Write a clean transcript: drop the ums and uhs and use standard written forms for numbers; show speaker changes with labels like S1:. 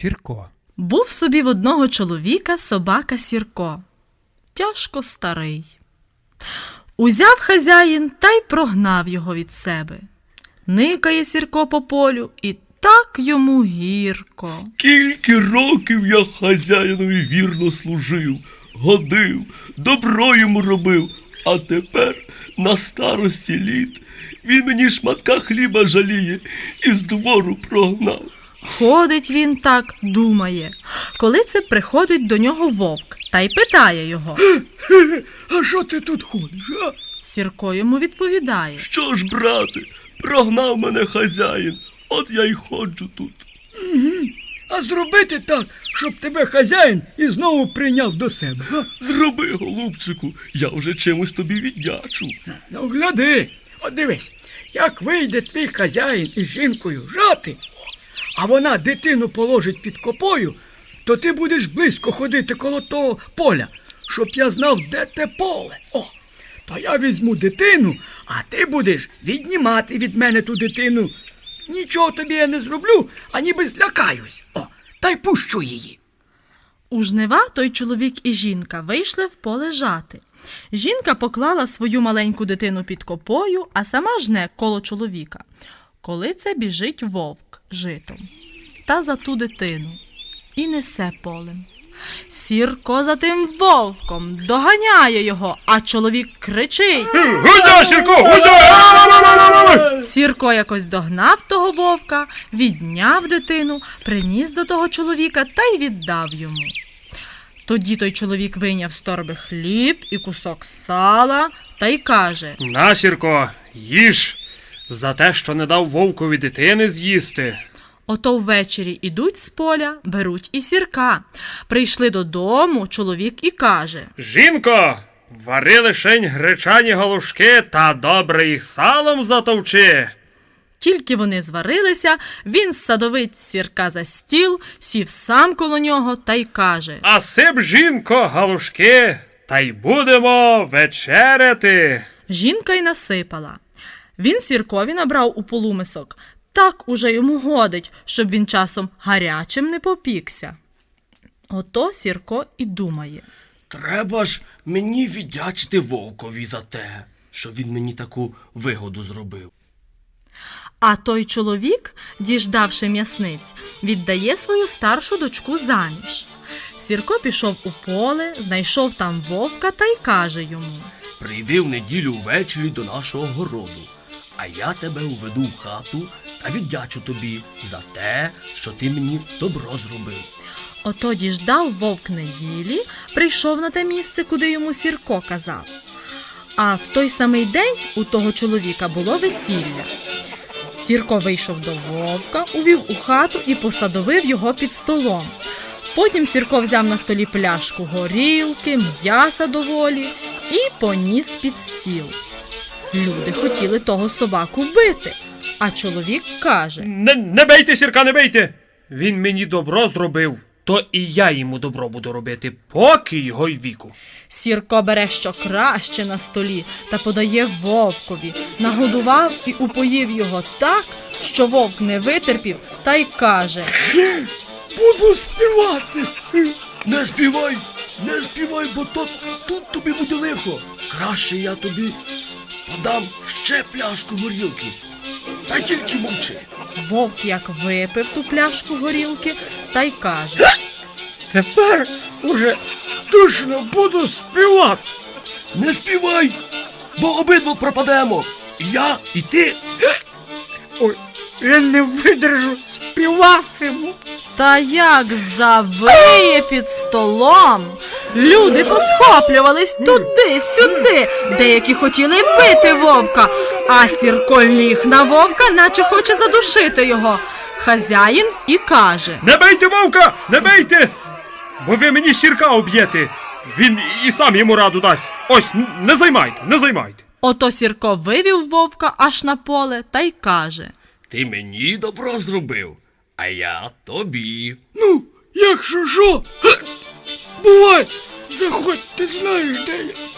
S1: Сірко.
S2: Був собі в одного чоловіка собака Сірко. Тяжко старий. Узяв хазяїн та й прогнав його від себе. Никає Сірко по полю, і так йому гірко.
S3: Скільки років я хазяїнові вірно служив, годив, добро йому робив, а тепер на старості літ він мені шматка хліба жаліє і з двору прогнав.
S2: Ходить він так, думає. Коли це приходить до нього вовк та й питає його.
S4: А що ти тут ходиш, а?
S2: Сірко йому відповідає.
S3: Що ж, брате, прогнав мене хазяїн, от я й ходжу тут.
S4: А зробити так, щоб тебе хазяїн і знову прийняв до себе. А?
S3: Зроби, голубчику, я вже чимось тобі віддячу.
S4: Ну, гляди, от дивись, як вийде твій хазяїн із жінкою жати, а вона дитину положить під копою, то ти будеш близько ходити коло того поля, щоб я знав, де те поле. О, то я візьму дитину, а ти будеш віднімати від мене ту дитину. Нічого тобі я не зроблю, а ніби злякаюсь. О, та й пущу її.
S2: У жнива той чоловік і жінка вийшли в поле жати. Жінка поклала свою маленьку дитину під копою, а сама жне коло чоловіка. Коли це біжить вовк житом та за ту дитину і несе полем. Сірко за тим вовком доганяє його, а чоловік кричить.
S1: Гудя, Сірко, гудя!
S2: Сірко якось догнав того вовка, відняв дитину, приніс до того чоловіка та й віддав йому. Тоді той чоловік вийняв з торби хліб і кусок сала та й каже.
S1: На, Сірко, їж, за те, що не дав вовкові дитини з'їсти.
S2: Ото ввечері ідуть з поля, беруть і Сірка. Прийшли додому, чоловік і каже.
S1: Жінко, вари лишень гречані галушки та добре їх салом затовчи.
S2: Тільки вони зварилися, він садовить Сірка за стіл, сів сам коло нього та й каже.
S1: А сип, жінко, галушки, та й будемо вечеряти.
S2: Жінка й насипала. Він Сіркові набрав у полумисок. Так уже йому годить, щоб він часом гарячим не попікся. Ото Сірко і думає.
S3: Треба ж мені віддячити вовкові за те, що він мені таку вигоду зробив.
S2: А той чоловік, діждавши м'ясниць, віддає свою старшу дочку заміж. Сірко пішов у поле, знайшов там вовка та й каже йому.
S3: Прийди в неділю ввечері до нашого городу, а я тебе уведу в хату та віддячу тобі за те, що ти мені добро зробив.
S2: Ото діждав вовк неділі, прийшов на те місце, куди йому Сірко казав. А в той самий день у того чоловіка було весілля. Сірко вийшов до вовка, увів у хату і посадовив його під столом. Потім Сірко взяв на столі пляшку горілки, м'яса доволі і поніс під стіл. Люди хотіли того собаку бити, а чоловік каже.
S1: Не бейте, Сірка, не бейте. Він мені добро зробив, то і я йому добро буду робити, поки його й віку.
S2: Сірко бере що краще на столі та подає вовкові, нагодував і упоїв його так, що вовк не витерпів та й каже.
S4: Буду співати.
S3: Не співай, бо тут тобі буде лихо. Краще я тобі подам ще пляшку горілки. Та тільки мовчи.
S2: Вовк як випив ту пляшку горілки та й каже.
S4: Тепер уже точно буду співати.
S3: Не співай, бо обидва пропадемо. І я, і ти.
S4: Ой, я не видержу, співатиму.
S2: Та як завиє під столом. Люди посхоплювались туди-сюди, деякі хотіли бити вовка, а Сірко ліг на вовка, наче хоче задушити його. Хазяїн і каже.
S1: Не бейте вовка, не бейте, бо ви мені Сірка об'єте. Він і сам йому раду дасть. Ось, не займайте.
S2: Ото Сірко вивів вовка аж на поле та й каже.
S3: Ти мені добро зробив, а я тобі.
S4: Ну, якщо що, бувай, заходь, ти знаєш, де я.